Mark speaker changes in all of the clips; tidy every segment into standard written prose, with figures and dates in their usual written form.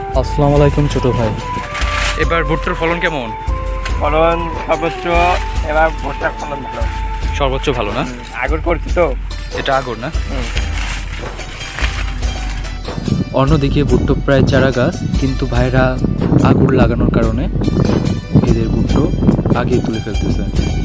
Speaker 1: আসসালামু আলাইকুম ছোট ভাই।
Speaker 2: এবার ভুট্টার ফলন কেমন?
Speaker 3: ফলন সর্বোচ্চ, এবার ভুট্টার ফলন ভালো।
Speaker 2: সর্বোচ্চ ভালো না?
Speaker 3: আগর করছি তো।
Speaker 2: এটা আগর না?
Speaker 1: অন্যদিকে ভুট্টো প্রায় চারা গাছ, কিন্তু ভাইরা আগুন লাগানোর কারণে এদের ভুট্টো আগে তুলে ফেলতেছে।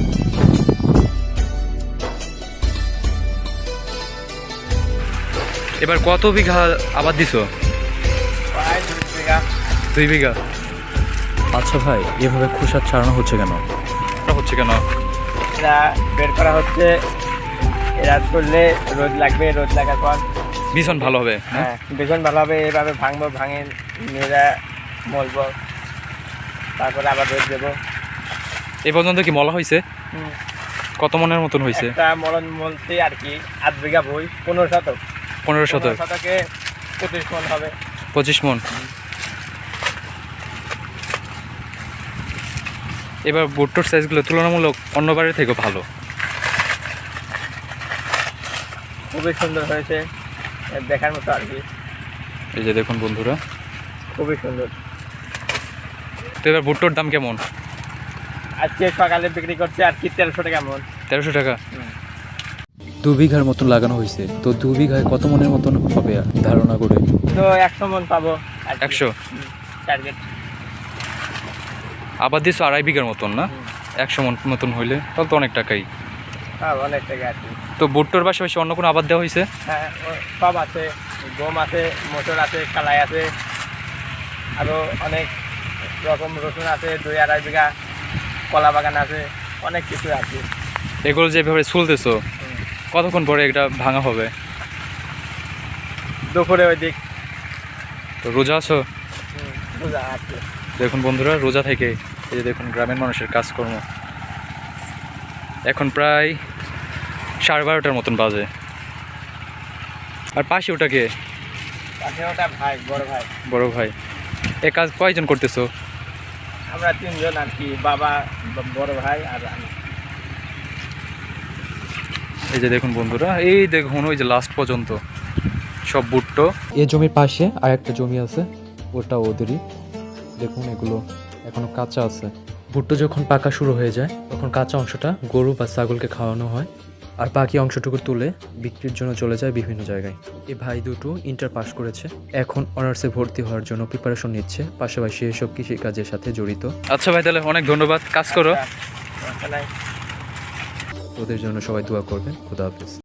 Speaker 2: এবার কত বিঘা আবাদ দিছো?
Speaker 3: প্রায় 2 বিঘা।
Speaker 2: 2 বিঘা।
Speaker 1: আচ্ছা ভাই, এভাবে খোসা ছাড়ানো হচ্ছে কেন?
Speaker 2: এটা হচ্ছে কেন?
Speaker 3: এরা বের করা হচ্ছে, এরা করলে রোদ লাগবে, রোদ লাগার পর
Speaker 2: ভীষণ ভালো হবে।
Speaker 3: হ্যাঁ ভীষণ ভালো হবে। এভাবে ভাঙবো, ভাঙে মেয়েরা মলবো, তারপরে আবার রোদ দেবো।
Speaker 2: এই পর্যন্ত কি মলা হয়েছে? কত মনের মতন হয়েছে?
Speaker 3: একটা মলন মলতে আর কি 8 বিঘা বই, 15 শতক।
Speaker 2: 15 শতক।
Speaker 3: শতকে 25 মন হবে।
Speaker 2: 25 মন। এবার ভুট্টোর সাইজগুলো তুলনামূলক অন্যবারের থেকে ভালো।
Speaker 3: খুবই সুন্দর হয়েছে, দেখার মতো আর কি।
Speaker 2: এই যে দেখুন বন্ধুরা,
Speaker 3: খুবই সুন্দর।
Speaker 2: তো এবার ভুট্টোর দাম কেমন?
Speaker 3: আজকে সকালে বিক্রি করছে আর কি 1300 টাকা মন।
Speaker 2: 1300 টাকা।
Speaker 1: 2 বিঘার মতন লাগানো হয়েছে, তো 2 বিঘায় কত মনের মতন হবে ধারণা করে?
Speaker 3: তো 100 মন পাবো।
Speaker 2: 100
Speaker 3: টার্গেট।
Speaker 2: আবাদ দিছো 2.5 বিঘার মতন না? 100 মন মতন হইলে তাহলে তো অনেক টাকাই।
Speaker 3: হ্যাঁ অনেক টাকা আর কি।
Speaker 2: তো ভুট্টোর পাশাপাশি অন্য কোনো আবাদ দেওয়া হয়েছে?
Speaker 3: হ্যাঁ সব আছে, গম আছে, মটর আছে, কালাই আছে, আরও অনেক রকম রসুন আছে, 2-2.5 বিঘা, কলা বাগান আছে, অনেক কিছু আছে।
Speaker 2: এগুলো যেভাবে চলতেছো, কতক্ষণ পরে এটা ভাঙা হবে?
Speaker 3: দুপুরে ওই দিক
Speaker 2: তো রোজা আছো?
Speaker 3: বোঝা আছে।
Speaker 2: দেখুন বন্ধুরা, রোজা থেকে এই যে দেখুন গ্রামের মানুষের কাজকর্ম। এখন প্রায় 12:30টার মতন বাজে। আর পাশে ওটাকে
Speaker 3: পাশে ওটা ভাই, বড় ভাই।
Speaker 2: বড় ভাই। এ কাজ কয়জন করতেছো?
Speaker 3: আমরা 3 জন আর কি, বাবা, বড় ভাই আর আমি।
Speaker 2: এই যে দেখুন বন্ধুরা, এই দেখুন ওই যে লাস্ট পর্যন্ত সব ভুট্টো।
Speaker 1: এই জমির পাশে আর একটা জমি আছে, ওটা ওদেরই। দেখুন এগুলো এখনো কাঁচা আছে। ভুট্টো যখন পাকা শুরু হয়ে যায় তখন কাঁচা অংশটা গরু বা ছাগলকে খাওয়ানো হয়, আর বাকি অংশটুকু তুলে বিক্রির জন্য চলে যায় বিভিন্ন জায়গায়। এই ভাই দুটো ইন্টার পাস করেছে, এখন অনার্সে ভর্তি হওয়ার জন্য প্রিপারেশন নিচ্ছে, পাশাপাশি এসব কৃষিকাজের সাথে জড়িত।
Speaker 2: আচ্ছা ভাই, তাহলে অনেক ধন্যবাদ, কাজ করো।
Speaker 3: সমস্যা নাই।
Speaker 1: ওদের জন্য সবাই দোয়া করবেন। খোদা হাফেজ।